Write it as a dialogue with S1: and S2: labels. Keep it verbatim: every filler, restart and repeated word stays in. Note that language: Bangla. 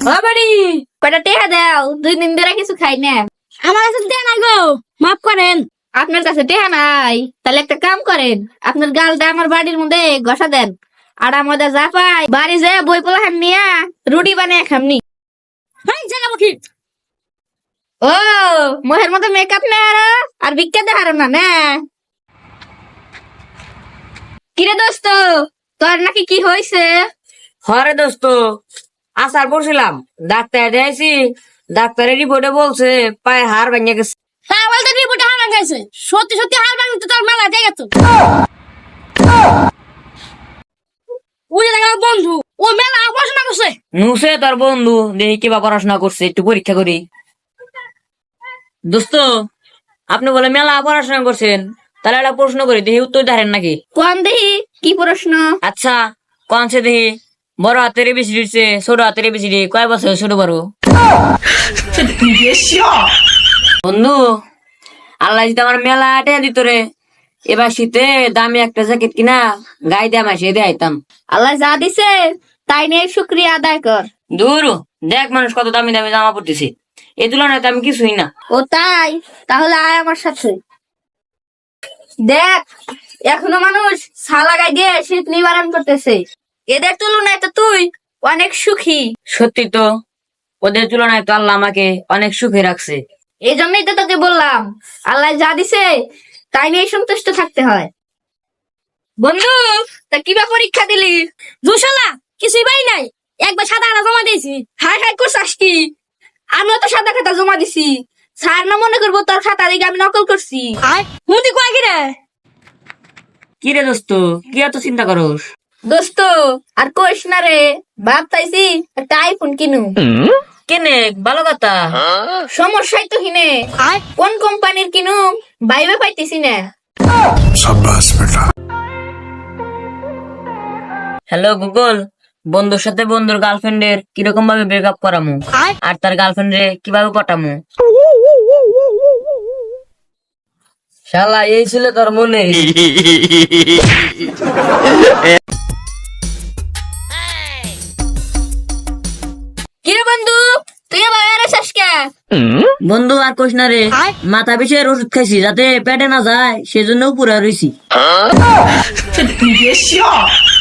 S1: বাড়ি কয়টা টেহা দাও, দুই দিন ধরে কিছু খাই না।
S2: আমার কাছে দেন না গো, মাফ করেন।
S1: আপনার কাছে টেহা নাই, তাহলে একটা কাম করেন, আপনার গালটা আমার বাড়ির মধ্যে ঘষা দেন, আর আমাদের যা পাই বাড়ি যে বই পোলাহান নিয়া রুটি বানিয়ে খামনি।
S2: হাই জায়গামুখী,
S1: ও মোহের মতো মেকআপ নেই আর আর ভিক্ষা দেখার না না। কিরে দোস্ত, তোর নাকি কি হয়েছে?
S3: হরে দোস্ত, আসার পড়ছিলাম, ডাক্তার যাইছি, ডাক্তারের রিপোর্টে বলছে পায়ে হাড় ভেঙে গেছে।
S2: তা বলতে রিপোর্টে হার গেছে, সত্যি সত্যি হার ভাঙি তো তোর মেলা জায়গা তো। ওই যে দেখা বন্ধু, ও মেলা পড়াশোনা করছে।
S3: নুসে তোর বন্ধু, দেখি কিবা পড়াশোনা করছে, একটু পরীক্ষা করি। দোস্ত, আপনি বলে মেলা পড়াশোনা করছেন, তাহলে একটা প্রশ্ন করি, দেখি উত্তর ধরেন নাকি?
S1: কোন দেখি কি প্রশ্ন?
S3: আচ্ছা কোন সে দেখি, বড় হাতের বেশি দিচ্ছে ছোট হাতের বেশি দিয়ে কয় বছর ছোট বড়? বন্ধু, আল্লাহ যদি আমার মেলা টেয়া দিত রে, এবার শীতে দামি একটা জ্যাকেট কিনা গায়ে দিয়ে মাসে দিয়ে আইতাম।
S1: আল্লাহ যা দিছে তাই নিয়ে শুক্রিয়া আদায় কর।
S3: দূর দেখ মানুষ কত দামি দামি জামা পড়তেছে, এই তুলনায় তো আমি কিছুই না।
S1: ও তাই, তাহলে আয় আমার সাথে। দেখ এখনো মানুষ ছালা গায়ে দিয়ে শীত নিবারণ করতেছে, এদের তুলনায় তো তুই অনেক সুখী।
S3: সত্যি তো, ওদের তুলনায় তো আল্লাহ আমাকে অনেক সুখে রাখছে।
S1: এই জন্যই তো তোকে বললাম, আল্লাহ যা দিছে তাই নিয়ে সন্তুষ্ট থাকতে হয়। বন্ধু, তা কিবা পরীক্ষা দিলি?
S2: দুশালা কিছুই পাই নাই, একবার সাদা আলা জমা দিয়েছি।
S1: হাই হাই করছিস কি? আমিও তো সাদা খাতা জমা দিছি, স্যার না মনে করবো তোর খাতা দিকে আমি নকল করছি।
S2: আয় মুদি কয় কি রে?
S3: কি রে দোস্ত, কি এত চিন্তা করস?
S1: দোস্ত আর কইস না রে, বাপ চাইছি একটা আইফোন কিনু।
S3: কেনে ভালো কথা।
S1: সমস্যাই তো হিনে,
S2: আয়
S1: কোন কোম্পানির কিনু বাইবে পাইতেছি না।
S3: হ্যালো গুগল, বন্ধুর সাথে বন্ধুর গার্লফ্রেন্ডের কিরকম ভাবে ব্রেকআপ করামু
S2: আয়
S3: আর তার গার্লফ্রেন্ডে কিভাবে পটামু? শালা এই ছিল তোর মনে?
S1: কিরে বন্ধু, তুই আবার আছিস কে?
S3: বন্ধু আর কোশ না রে, মাথা বিষয়ের ওষুধ খাইছি যাতে পেটে না যায়, সেজন্য পুরা রইছি।